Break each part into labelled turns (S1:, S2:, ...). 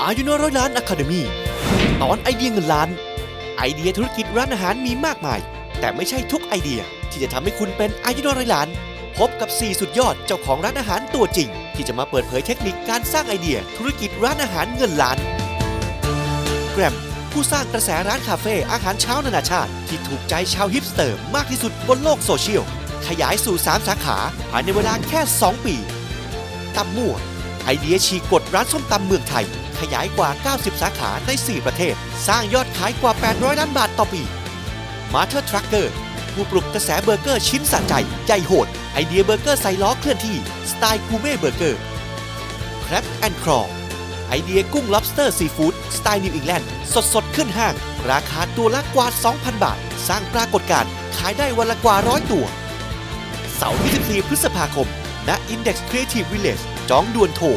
S1: อายุน้อยร้อยล้านอะคาเดมี่ตอนไอเดียเงินล้านไอเดียธุรกิจร้านอาหารมีมากมายแต่ไม่ใช่ทุกไอเดียที่จะทำให้คุณเป็นอายุน้อยร้อยล้านพบกับ4สุดยอดเจ้าของร้านอาหารตัวจริงที่จะมาเปิดเผยเทคนิคการสร้างไอเดียธุรกิจร้านอาหารเงินล้านแกรมผู้สร้างกระแสร้านคาเฟ่อาหารเช้านานาชาติที่ถูกใจชาวฮิปสเตอร์มากที่สุดบนโลกโซเชียลขยายสู่3สาขาภายในเวลาแค่2ปีตำมั่วไอเดียฉีกกฎร้านส้มตำเมืองไทยขยายกว่า90สาขาใน4ประเทศสร้างยอดขายกว่า800ล้านบาทต่อปีมาเธอร์ทรัคเกอร์ผู้ปลุกกระแสเบอร์เกอร์ชิ้นสะใจใหญ่โหดไอเดียเบอร์เกอร์ใส่ล้อเคลื่อนที่สไตล์กูเม่เบอร์เกอร์แครบแอนด์ครอไอเดียกุ้ง lobster ซีฟู้ดสไตล์นิวอิงแลนด์สดขึ้นห้างราคาตัวละกว่า 2,000 บาทสร้างปรากฏการณ์ขายได้วันละกว่า100ตัวเสาร์24พฤษภาคมณ Index Creative Village จองด่วนโทร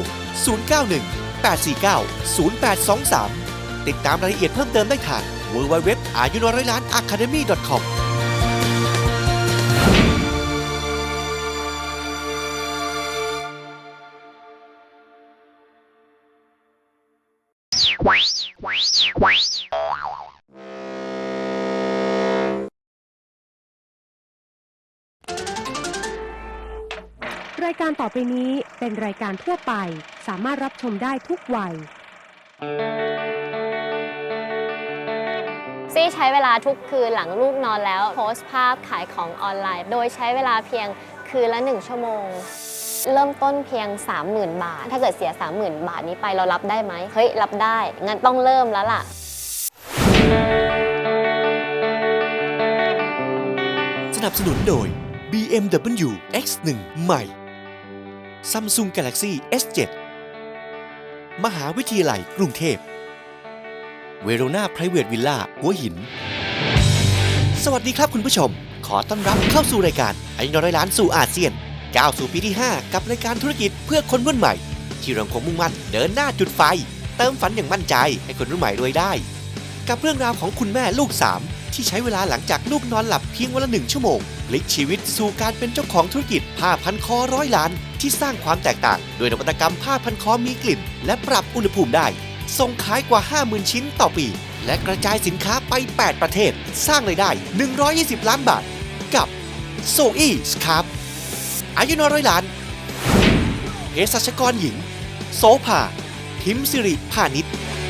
S1: 091-849-0823 ติดตามรายละเอียดเพิ่มเติมได้ทาง www.ayunoyroilanacademy.com
S2: รายการต่อไปนี้เป็นรายการทั่วไปสามารถรับชมได้ทุกวัย
S3: ซี่ใช้เวลาทุกคืนหลังลูกนอนแล้วโพสต์ภาพขายของออนไลน์โดยใช้เวลาเพียงคืนละ1ชั่วโมงเริ่มต้นเพียง 30,000 บาทถ้าเกิดเสีย 30,000 บาทนี้ไปเรารับได้ไหมเฮ้ยรับได้งั้นต้องเริ่มแล้วล่ะ
S1: สนับสนุนโดย BMW X1 ใหม่ Samsung Galaxy S7 มหาวิทยาลัยกรุงเทพเวโรนา Private Villa หัวหินสวัสดีครับคุณผู้ชมขอต้อนรับเข้าสู่รายการอายุน้อยล้านสู่อาเซียนก้าวสู่ปีที่ 5 กับรายการธุรกิจเพื่อคนรุ่นใหม่ที่เราคงมุ่งมั่นเดินหน้าจุดไฟเติมฝันอย่างมั่นใจให้คนรุ่นใหม่รวยได้กับเรื่องราวของคุณแม่ลูก3ที่ใช้เวลาหลังจากลูกนอนหลับเพียงวันละ1ชั่วโมงพลิกชีวิตสู่การเป็นเจ้าของธุรกิจผ้าพันคอ100 ล้านที่สร้างความแตกต่างโดยนวัตกรรมผ้าพันคอมีกลิ่นและปรับอุณหภูมิได้ส่งขายกว่า 50,000 ชิ้นต่อปีและกระจายสินค้าไป8ประเทศสร้างรายได้120 ล้านบาทกับโซอี้สครับอายุน้อยร้อยล้านเภสัชกรหญิงโสภาพิมพ์สิริพานิช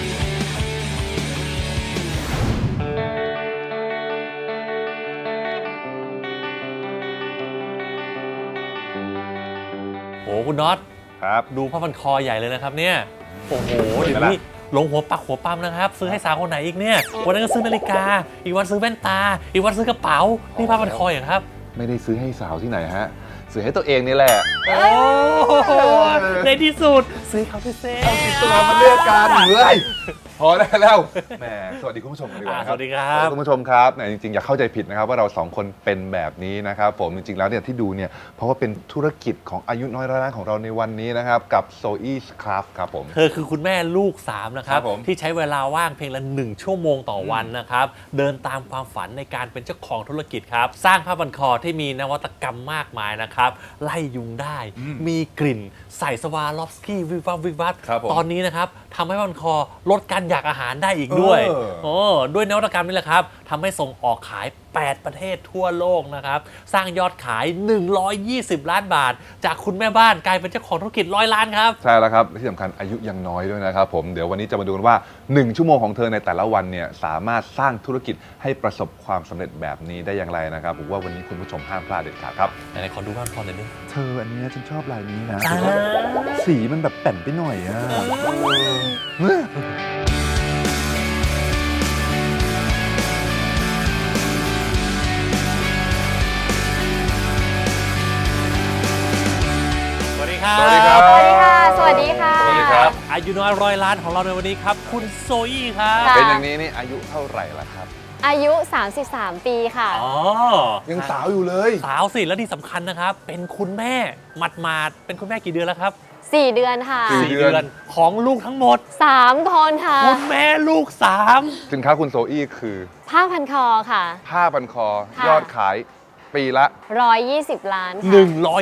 S4: โอ้คุณน็อต
S5: ครับ
S4: ดูผ้าพันคอใหญ่เลยนะครับเนี่ยโอ้โหเดี๋ยวนี้ลงหัวปักหัวปั๊มนะครับซื้อให้สาวคนไหนอีกเนี่ยวันนั้นก็ซื้อนาฬิกาอีกวันซื้อแว่นตาอีกวันซื้อกระเป๋านี่ผ้าพันคออย่างครับ
S5: ไม่ได้ซื้อให้สาวที่ไหนฮะซื้อให้ตัวเองนี่แหละ
S4: โอ้ในที่สุดซื้อเขาพิเศษ
S5: เอาสิตัวมาเลือกกันเลยพอได้แล้วแหมสวัสดีคุณผู้ชมกันดีกว่าครับ
S4: สวัสดีครับ
S5: คุณผู้ชมครับเนี่ยจริงๆอย่าเข้าใจผิดนะครับว่าเราสองคนเป็นแบบนี้นะครับผมจริงๆแล้วเนี่ยที่ดูเนี่ยเพราะว่าเป็นธุรกิจของอายุน้อยร้อยล้านของเราในวันนี้นะครับกับ Zoe Craft ครับผม
S4: เธอคือคุณแม่ลูก3นะครับที่ใช้เวลาว่างเพียงละ1ชั่วโมงต่อวันนะครับเดินตามความฝันในการเป็นเจ้าของธุรกิจครับสร้างผ้าพันคอที่มีนวัตกรรมมากมายนะครับไล่ยุงได้มีกลิ่นใส่สวาลอฟสกี้วิวับวิวับตอนนี้นะครับทำให้ผ้าพันคอลดการอยากอาหารได้อีกด้วยด้วยนวัตกรรมนี่แหละครับทำให้ส่งออกขาย8ประเทศทั่วโลกนะครับสร้างยอดขาย120 ล้านบาทจากคุณแม่บ้านกลายเป็นเจ้าของธุรกิจ100 ล้านครับ
S5: ใช่แล้วครับที่สำคัญอายุยังน้อยด้วยนะครับผมเดี๋ยววันนี้จะมาดูกันว่า1ชั่วโมงของเธอในแต่ละวันเนี่ยสามารถสร้างธุรกิจให้ประสบความสำเร็จแบบนี้ได้อย่างไรนะครับผมว่าวันนี้คุณผู้ชมห้ามพลาดเด็ดขาดครับ
S4: ไหนๆขอดูผ้าพันคอหน่อยดิ
S5: เธออันนี้ฉันชอบลายนี้นะสีมันแบบแป่นไปหน่อยอ่ะ
S4: สวัสดีครับ
S3: สวัสดีค่ะสวัสดีค่ะ
S4: สวัสดีครับอายุน้อย100 ล้านของเราในวันนี้ครับคุณโซอี้ครับ
S5: เป็นอย่างนี้นี่อายุเท่าไหร่ล่ะครับ
S3: อายุ33 ปีค่ะ
S4: อ๋อ
S5: ยังสาวอยู่เลย
S4: สาวสิแล้วที่สำคัญนะครับเป็นคุณแม่หมาดๆเป็นคุณแม่กี่เดือนแล้วครับ
S3: 4 เดือนค่ะ
S4: 4 เดือนของลูกทั้งหมด
S3: 3 คนค่ะ
S4: คุณแม่ลูก3
S5: สินค้าคุณโซอี้คือ
S3: ผ้าพันคอค่ะ
S5: ผ้าพันคอยอดขายปีละ
S3: 120 ล้านค่ะ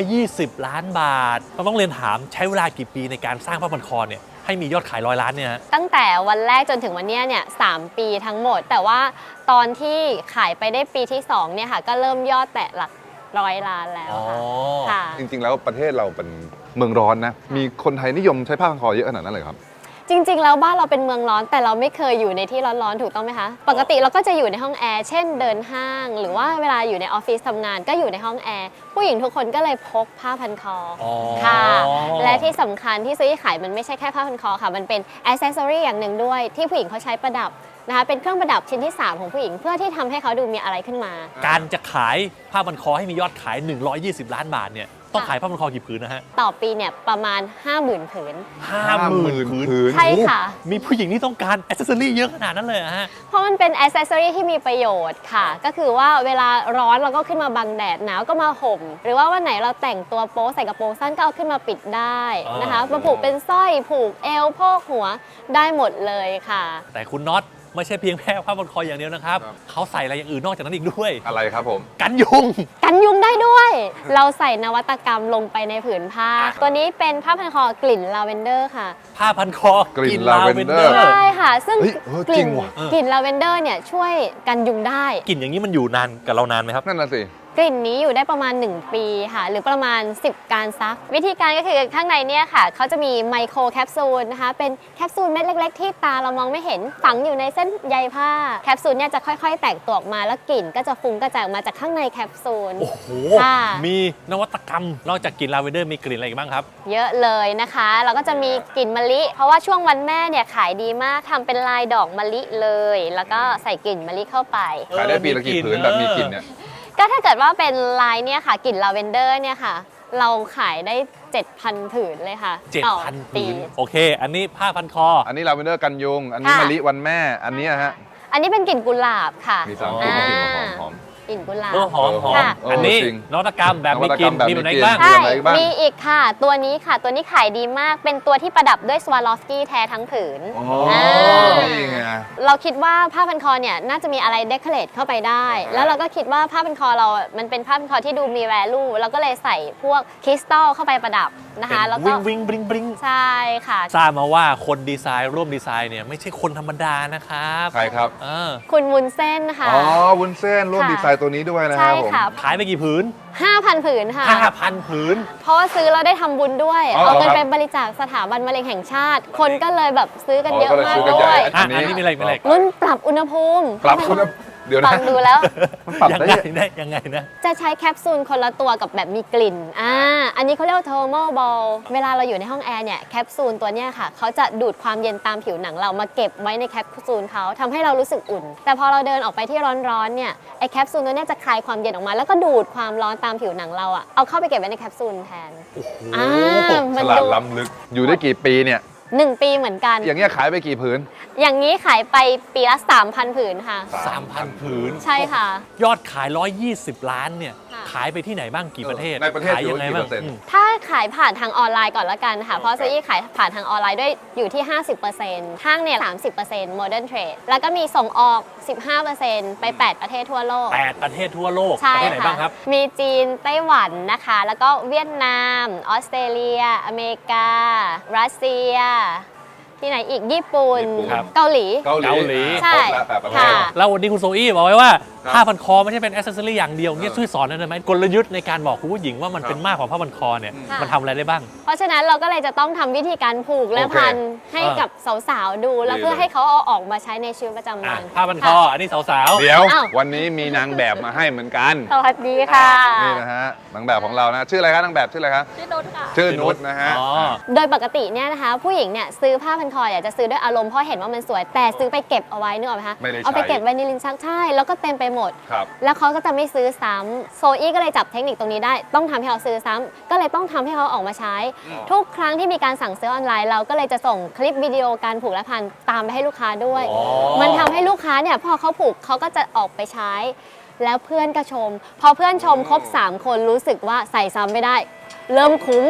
S4: 120 ล้านบาทเราต้องเรียนถามใช้เวลากี่ปีในการสร้างผ้าพันคอเนี่ยให้มียอดขาย100 ล้านเนี่ยฮะ
S3: ตั้งแต่วันแรกจนถึงวันเนี้ยเนี่ย3 ปีทั้งหมด แต่ว่าตอนที่ขายไปได้ปีที่2เนี่ยค่ะก็เริ่มยอดแตะหลัก100 ล้านแล้วค่ะ
S5: จริงๆแล้วประเทศเราเป็นเมืองร้อนนะ มีคนไทยนิยมใช้ผ้าพันคอเยอะขนาดนั้นเลยครับ
S3: จริงๆแล้วบ้านเราเป็นเมืองร้อนแต่เราไม่เคยอยู่ในที่ร้อนๆถูกต้องไหมคะปกติเราก็จะอยู่ในห้องแอร์เช่นเดินห้าง หรือว่าเวลาอยู่ในออฟฟิศทำงานก็อยู่ในห้องแอร์ผู้หญิงทุกคนก็เลยพกผ้าพันคอค่ะและที่สำคัญที่ซื้อขายมันไม่ใช่แค่ผ้าพันคอค่ะมันเป็นแอ c เซสซอรี่อย่างหนึ่งด้วยที่ผู้หญิงเขาใช้ประดับนะคะเป็นเครื่องประดับชิ้นที่ 3 ของผู้หญิงเพื่อที่ทำให้เขาดูมีอะไรขึ้นมา
S4: การจะขายผ้าพันคอให้มียอดขาย 120 ล้านบาทเนี่ยต้องขายผ้าพันคอกี่ผืนนะฮะ
S3: ต่อปีเนี่ยประมาณ 50,000 ผืน
S4: 50,000 ผืน
S3: ใช่ค่ะ
S4: มีผู้หญิงที่ต้องการอ c เซสซอรี่เยอะขนาดนั้นเลยเหรอฮะ
S3: เพราะมันเป็นแอ c เซสซอรี่ที่มีประโยชน์ค่ะ ก็คือว่าเวลาร้อนเราก็ขึ้นมาบังแดดหนาวก็มาห่ม หรือว่าวันไหนเราแต่งตัวโป๊ใส่กระโปรงสั้นก็เอาขึ้นมาปิดได้นะคะมาผูกเป็นสร้อยผูกเอวโพกหัวได้หมดเลยค่ะ
S4: แต่คุณน็อตไม่ใช่เพียงแค่ผ้าพันคออย่างเดียวนะครับ
S5: ครับ
S4: เขาใส่อะไรอย่างอื่นนอกจากนั้นอีกด้วย
S5: อะไรครับผม
S4: กันยุง
S3: กันยุงได้ด้วย เราใส่นวัตกรรมลงไปในผืนผ้า ตัวนี้เป็นผ้าพันคอกลิ่นลาเวนเดอร์ค่ะ
S4: ผ้าพันคอก
S5: ลิ่น lavender
S3: ใช่ค่ะ ซึ่ง
S5: เฮ้ย
S3: กลิ่
S5: จริ
S3: น
S5: งว่ะ
S3: กลิ่นลาเวนเดอร์เนี่ยช่วยกันยุงได้
S4: กลิ่นอย่างนี้มันอยู่นานกับเรานานไหมครับ
S5: นั่นน่ะสิ
S3: กลิ่นนี้อยู่ได้ประมาณ 1 ปีค่ะ หรือประมาณ 10 การซัก วิธีการก็คือข้างในเนี่ยค่ะเขาจะมีไมโครแคปซูลนะคะเป็นแคปซูลเม็ดเล็ก ๆ ที่ตาเรามองไม่เห็นฝังอยู่ในเส้นใยผ้าแคปซูลเนี่ยจะค่อยๆ แตกตัวออกมาแล้วกลิ่นก็จะฟุ้งกระจายออกมาจากข้างในแคปซูล
S4: โอ้โห
S3: ค่ะ
S4: มีนวัตกรรม นอกจากกลิ่นลาเวนเดอร์มีกลิ่นอะไรอีกบ้างครับ
S3: เยอะเลยนะคะเราก็จะมีกลิ่นมะลิ เพราะว่าช่วงวันแม่เนี่ยขายดีมากทำเป็นลายดอกมะลิเลย แล้วก็ใส่กลิ่นมะลิเข้าไป
S5: ขายได้ปีละกี่ผืนแบบมีกลิ่นเนี่ย
S3: ก็ถ้าเกิดว่าเป็นลายเนี่ยค่ะกลิ่นลาเวนเดอร์เนี่ยค่ะ เราขายได้ 7,000 ผืนเลยค่ะต่อ
S4: 7,000
S3: ปี
S4: ผืน โอเค อันนี้ผ้าพันคอ
S5: อันนี้ลาเวนเดอร์กันยุง อันนี้
S3: ค่ะ
S5: มะลิวันแม่ อันนี้ฮะ
S3: อันนี้เป็นกลิ่นกุหลาบค่ะ
S5: มี3กลิ่นกลิ่นหอม
S3: กลิ่นกุหลาบ
S4: หอม
S3: ค่ะ
S4: อันนี้
S5: จริง
S4: นวัตกรรมแบบมีกลิ่น
S5: นวัตกรรมแบบ
S4: มีแบบไหน
S5: มีกลิ่น
S4: บ้าง
S3: ใช่
S5: มีอะไรบ้าง
S3: มีอีกค่ะ ตัวนี้ค่ะ ตัวนี้ขายดีมาก เป็นตัวที่ประดับด้วยสวาลอฟสกี้แท้ทั้งผืน
S5: อ๋อ
S3: อ่า
S5: นี่ไง
S3: เราคิดว่าผ้าพันคอเนี่ยน่าจะมีอะไรเดคอเรทเข้าไปได้ แล้วเราก็คิดว่าผ้าพันคอเรา มันเป็นผ้าพันคอที่ดูมีแวลูเราก็เลยใส่พวกคริสตัลเข้าไปประดับนะคะ แล้วก็
S4: วิงบริงบริง
S3: ใช่ค่ะ
S4: ทราบมาว่าคนดีไซน์ร่วมดีไซน์เนี่ยไม่ใช่คนธรรมดานะครับ
S5: ใครครับ
S4: เออ
S3: คุณวุ้นเส้นค่ะ
S5: อ๋อ วุ้นเส้นร่วม
S3: ค่ะ
S5: ดีไซน์ตัวนี้ด้วยนะค
S3: ใช่
S5: รับผม
S3: ค่ะ
S4: ขายไปกี่ผืน
S3: 5,000 ผืนค่ะ
S4: 5,000 ผืน
S3: เพราะว่าซื้อแล้วได้ทำบุญด้วย
S5: อ๋อ
S3: เอาเงิน
S5: ครับ
S3: ไปบริจาคสถาบันมะเร็งแห่งชาติ คนก็เลยแบบซื้อกันเยอะ
S5: ก็เลย
S3: มาก
S5: ซื้อกันให
S3: ด้
S5: ญ่
S3: วย
S4: อ่ะอันนี้มีอะไรมีอะไร
S3: รุ่นปรับอุณหภูมิ
S5: ปรับคุณเดี๋ยว
S3: ฟั
S5: นะ
S3: งดูแล้ว
S5: มันปรับ
S4: ยัง
S5: ได้
S4: ไงนะยังไงนะ
S3: จะใช้แคปซูลคนละตัวกับแบบมีกลิ่น อันนี้เขาเรียกว่า thermal ball เวลาเราอยู่ในห้องแอร์เนี่ยแคปซูลตัวเนี้ยค่ะเขาจะดูดความเย็นตามผิวหนังเรามาเก็บไว้ในแคปซูลเขาทำให้เรารู้สึกอุ่น แต่พอเราเดินออกไปที่ร้อนๆเนี่ยไอแคปซูลตัวเนี้ยจะคลายความเย็นออกมา แล้วก็ดูดความร้อนตามผิวหนังเราอะเอาเข้าไปเก็บไว้ในแคปซูลแทน
S5: ฉ
S3: มัน
S5: ลาด
S3: ดู
S5: ล้ำลึก อยู่ได้กี่ปีเนี่ย
S3: 1 ปีเหมือนกัน
S5: อย่างเงี้ยขายไปกี่ผืน
S3: อย่างนี้ขายไปปีละ 3,000 ผืนค่ะ
S4: 3,000 ผืน
S3: ใช่ค่ะ
S4: ยอดขาย 120 ล้านเนี่ย
S3: ค่ะ
S4: ขายไปที่ไหนบ้างกี่ประเทศ
S5: ในประเทศ
S4: ขายยังไงบ้าง
S5: กี่เปอร์เซ็นต์
S3: ถ้าขายผ่านทางออนไลน์ก่อนละกันค่ะ เพราะซื้อขายผ่านทางออนไลน์ด้วยอยู่ที่ 50%ห้างเนี่ย 30% Modern Trade แล้วก็มีส่งออก 15%ไป 8 ประเทศทั่วโลก
S4: 8 ประเทศทั่วโลก
S3: ใช่
S4: ประเทศไหน
S3: ค่ะ
S4: บ้างครับ
S3: มีจีน ไต้หวันนะคะ แล้วก็เวียดนาม ออสเตรเลีย อเมริกา รัสเซีย ที่ไหนอีก ญี่ปุ่น
S5: ญี่ปุ่น
S4: ครับ
S3: เกาหลี
S5: เกาหลี
S3: ใช่
S5: ครบแล้ว8ประเทศ
S3: ค่ะ
S4: แล้ววันนี้คุณโซอี้บอกไว้ว่า
S5: ครับ
S4: ผ้าพันคอไม่ใช่เป็นแอ c เซสซอรี่อย่างเดียวเนี่ย
S5: เออ
S4: ช่วยสอนหน่อยได้ไหมกลยุทธ์ในการบอกคุณผู้หญิงว่ามันเป็นมากกว่าผ้าพันคอเนี่ย
S3: ค่ะ
S4: มันทำอะไรได้บ้าง
S3: เพราะฉะนั้นเราก็เลยจะต้องทำวิธีการผูกและ
S5: โอเค
S3: พันให้กับสาวๆดู แล้ว
S5: ดี
S3: เพื่อ
S5: เลย
S3: ให้เขาเอาออกมาใช้ในชีวิตประจำ
S4: อ่ะ
S3: วัน
S4: ผ้าพันคอ อันนี้สาว
S5: เดี๋ยว
S3: อ้าว
S5: วันนี้มีนางแบบมาให้เหมือนกัน
S3: สวัสดีค่ะ
S5: นี่นะฮะ นางแบบของเรานะ ชื่ออะไรครับนางแบบชื่ออะไรครับ
S3: ชื่อนุชค่ะ
S5: ชื่อนุชนะฮะ
S4: อ๋อ
S3: โดยปกติเนี่ยนะคะ ผู้หญิงเนี่ยซื้อผ้าพันคออยากจะซื้อด้วยอารมณ์เพราะเห็นว่ามันสวย แต่ซื้อไปเก็บเอาไว้นึกออกไหมคะ
S5: ไม่ได้ใช้
S3: เอาไปเก็บไว้ในลิ้นชักใช่แล้วก็เต็มไปหมด
S5: ครับ
S3: แล้วเขาก็จะไม่ซื้อซ้ำโซอี้ก็เลยจับเทคนิคตรงนี้ได้ ต้องทำให้เขาซื้อซ้ำก็เลยต้องทำให้เขาออกมาใช้ ทุกครั้งที่มีการสั่งซื้อออนไลน์เราก็เลยจะส่งคลิปวิดีโอการผูกและพันตามไปให้ลูกค้าด้วย
S4: อ๋อ
S3: มันทำให้ลูกค้าเนี่ยพอเขาผูกเขาก็จะออกไปใช้ แล้วเพื่อนก็ชม พอเพื่อนชมครบ 3 คนรู้สึกว่าใส่ซ้ำไม่ได้ เริ่มคุ้ม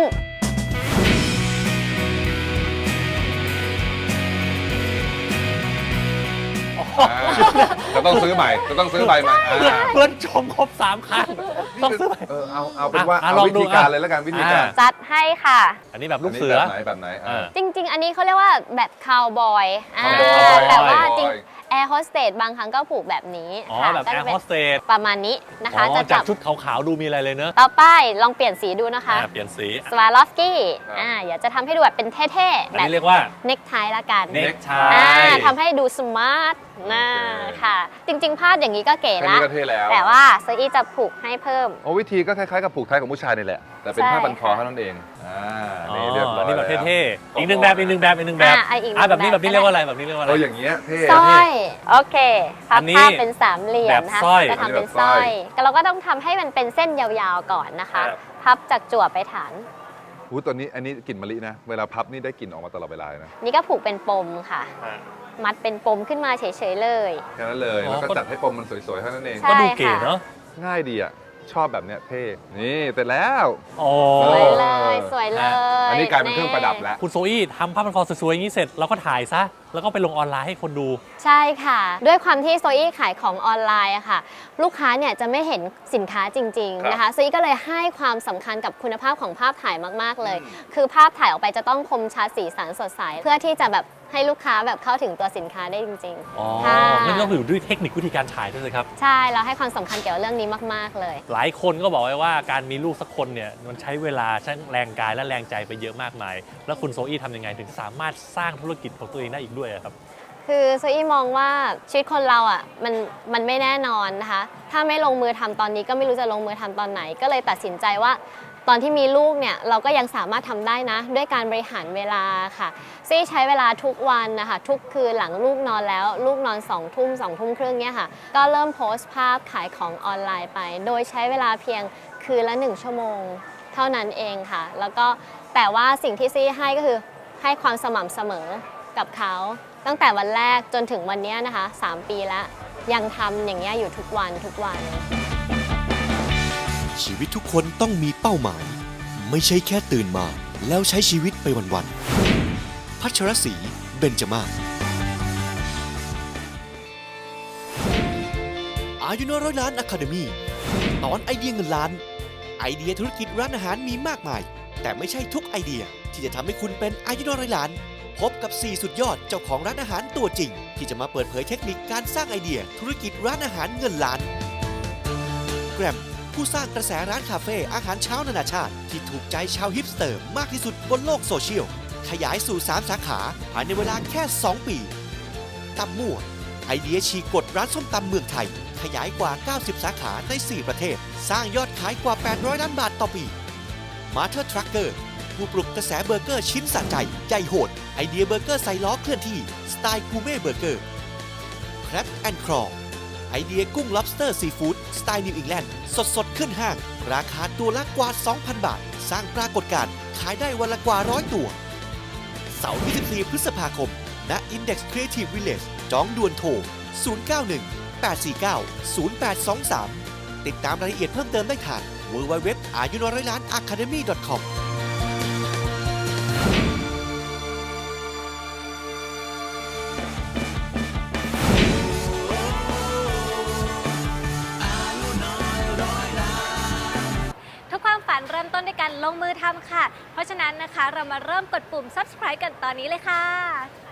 S5: ท่านต้องซื้อใหม่จะต้องซื้อใบใหม่
S4: เพื่อนชมครบ3 ครั้งต้องซื้อใหม่
S5: เอาเป็นว่า
S4: อ่ะ
S5: เอา
S4: ลอง
S5: วิ
S4: ดู
S5: ธีการ
S4: อ่ะ
S5: เลยแล้วกันวิธีการ
S3: จัดให้ค่ะ
S4: อันนี้แบบลูกเสือ
S5: แบบไหน
S3: จริง ๆ อันนี้เขาเรียกว่าแบบคาวบอย
S4: cowboy
S3: แต่ว่าจริงแอร์โฮสเตสบางครั้งก็ผูกแบบนี้
S4: อ๋อ
S3: ค่ะ
S4: แบบ
S3: ก็
S4: แอ
S3: จะ
S4: ร์
S3: เป็
S4: โฮ
S3: น
S4: สเตส
S3: ประมาณนี้นะคะ จะ
S4: จา
S3: จั
S4: ก
S3: บ
S4: ชุดขาวๆดูมีอะไรเลยเนอะ
S3: ต่อไปลองเปลี่ยนสีดูนะคะ
S4: เปลี่ยนสี
S3: สวาลอฟสกี้อยากจะทำให้ดูแบบเป็นเท่ๆ
S4: อัน
S3: แบบ
S4: นี้เรียกว่า
S3: เน็กไทละกัน
S4: เน็กไท
S3: ทำให้ดูสมาร์ทนะค่ะ จริงๆพาดอย่างนี้ก็เก๋
S5: แค่
S3: ละ
S5: นี้ก็เท่แล้ว
S3: แต่ว่าโซอี้จะผูกให้เพิ่ม
S5: โอ้วิธีก็คล้ายๆกับผูกไทยของผู้ชายนี่แหละแต่เป็น
S3: ใช่
S5: ผ้าพันคอเท่านั้นเองนี่เรียบร้อย
S4: นี่แบบ
S5: แล้ว
S4: เท่ๆอีกหนึ่งแบบอีกหนึ่งแบบอีกหนึ่งแบบ
S3: อีกหนึ่ง
S4: แบบนี้
S3: แบบ
S4: แบบนี้เรียกว่าอะไรแบบนี้เรียกว่าอะไร
S5: อย่างเงี้ยเท่
S3: สร้อยโอเคพั
S4: อั
S3: บ
S4: นนี้
S3: ผ้าเป็นสามเหลี่ยมนะคะ
S4: แบบสร้อย
S3: จะทำเป็น
S5: อันนี้แบบ
S3: สร้อย
S5: สร้อย
S3: เราก็ต้องทำให้มันเป็นเส้นยาวๆก่อนนะคะ
S4: ครับ
S3: พับจากจั่วไปฐาน
S5: ตัวนี้อันนี้กลิ่นมะลินะเวลาพับนี่ได้กลิ่นออกมาตลอดเวลาเลยนะ
S3: นี่ก็ผูกเป็นปมค่ะ มัดเป็นปมขึ้นมาเฉยๆเลย
S5: แค่นั้นเลย
S4: อ๋อ
S5: แล้วก็จัดให้ปมมันสวยๆเท่านั้นเอง
S3: ใช่
S4: ก็ดูเก๋เนาะ
S5: ง่ายดีอ่ะชอบแบบเนี้ยเท่นี่เสร็จแล้ว
S4: โอ้
S3: สวยเลยสวยเลย
S5: อันนี้กลายเป็นเครื่องประดับแล้ว
S4: คุณโซอี้ทำผ้าพันคอสวยๆอย่างนี้เสร็จเราก็ถ่ายซะแล้วก็ไปลงออนไลน์ให้คนดู
S3: ใช่ค่ะ ด้วยความที่โซอี้ขายของออนไลน์อะค่ะ ลูกค้าเนี่ยจะไม่เห็นสินค้าจริงๆนะคะโซอี้ก็เลยให้ความสำคัญกับคุณภาพของภาพถ่ายมากๆเลย คือภาพถ่ายออกไปจะต้องคมชัดสีสันสดใสเพื่อที่จะแบบให้ลูกค้าแบบเข้าถึงตัวสินค้าได้จริง
S4: อ๋อ
S3: ๆค่ะ
S4: นั่นต้องอยู่ด้วยเทคนิควิธีการถ่ายด้วยสิครับ
S3: ใช่เราให้ความสำคัญเกี่ยวกับเรื่องนี้มากๆเลย
S4: หลายคนก็บอกไว้ว่าการมีลูกสักคนเนี่ยมันใช้เวลาใช้แรงกายและแรงใจไปเยอะมากมาย แล้วคุณโซอี้ทำยังไงถึงสามารถสร้างธุรกิจของตัวเองได้อีกด้วยอะครับ
S3: คือโซอี้มองว่าชีวิตคนเราอ่ะมันไม่แน่นอนนะคะ ถ้าไม่ลงมือทำตอนนี้ก็ไม่รู้จะลงมือทำตอนไหน ก็เลยตัดสินใจว่าตอนที่มีลูกเนี่ยเราก็ยังสามารถทำได้นะ ด้วยการบริหารเวลาค่ะซี่ใช้เวลาทุกวันนะคะทุกคืนหลังลูกนอนแล้วลูกนอน2 ทุ่ม2 ทุ่มครึ่งเนี่ยค่ะก็เริ่มโพสต์ภาพขายของออนไลน์ไป โดยใช้เวลาเพียงคืนละ1 ชั่วโมงเท่านั้นเองค่ะ แล้วก็แต่ว่าสิ่งที่ซี่ให้ก็คือให้ความสม่ำเสมอกับเขาตั้งแต่วันแรกจนถึงวันนี้นะคะ3 ปีแล้วยังทำอย่างเงี้ยอยู่ทุกวันทุกวัน
S1: ชีวิตทุกคนต้องมีเป้าหมาย ไม่ใช่แค่ตื่นมาแล้วใช้ชีวิตไปวันๆพัชรศรีเบญจมาศอายุน้อยร้อยล้านอะคาเดมี่ตอนไอเดียเงินล้าน ไอเดียธุรกิจร้านอาหารมีมากมาย แต่ไม่ใช่ทุกไอเดียที่จะทำให้คุณเป็นอายุน้อยร้อยล้าน พบกับ 4 สุดยอดเจ้าของร้านอาหารตัวจริง ที่จะมาเปิดเผยเทคนิคการสร้างไอเดียธุรกิจร้านอาหารเงินล้านแกรมผู้สร้างกระแสร้านคาเฟ่อาหารเช้านานาชาติที่ถูกใจชาวฮิปสเตอร์มากที่สุดบนโลกโซเชียลขยายสู่ 3 สาขาภายในเวลาแค่ 2 ปีตำมั่วไอเดียฉีกกฎร้านส้มตำเมืองไทยขยายกว่า 90 สาขาใน 4 ประเทศ สร้างยอดขายกว่า 800 ล้านบาทต่อปีมาเธอร์ทรัคเกอร์ผู้ปลุกกระแสเบอร์เกอร์ชิ้นสะใจใหญ่โหดไอเดียเบอร์เกอร์ใส่ล้อเคลื่อนที่สไตล์กูเม่เบอร์เกอร์แครบแอนด์ครอไอเดียกุ้ง lobster seafood สไตล์นิวอิงแลนด์สดๆขึ้นห้าง ราคาตัวละกว่า 2,000 บาท สร้างปรากฏการณ์ขายได้วันละกว่า100 ตัวเสาร์ที่14 พฤษภาคมณ Index Creative Village จองด่วนโทร 091-849-0823 ติดตามรายละเอียดเพิ่มเติมได้ทาง www.ayunorayalanacademy.com
S6: ทุกความฝันเริ่มต้นด้วยการลงมือทำค่ะ เพราะฉะนั้นนะคะเรามาเริ่มกดปุ่ม subscribe กันตอนนี้เลยค่ะ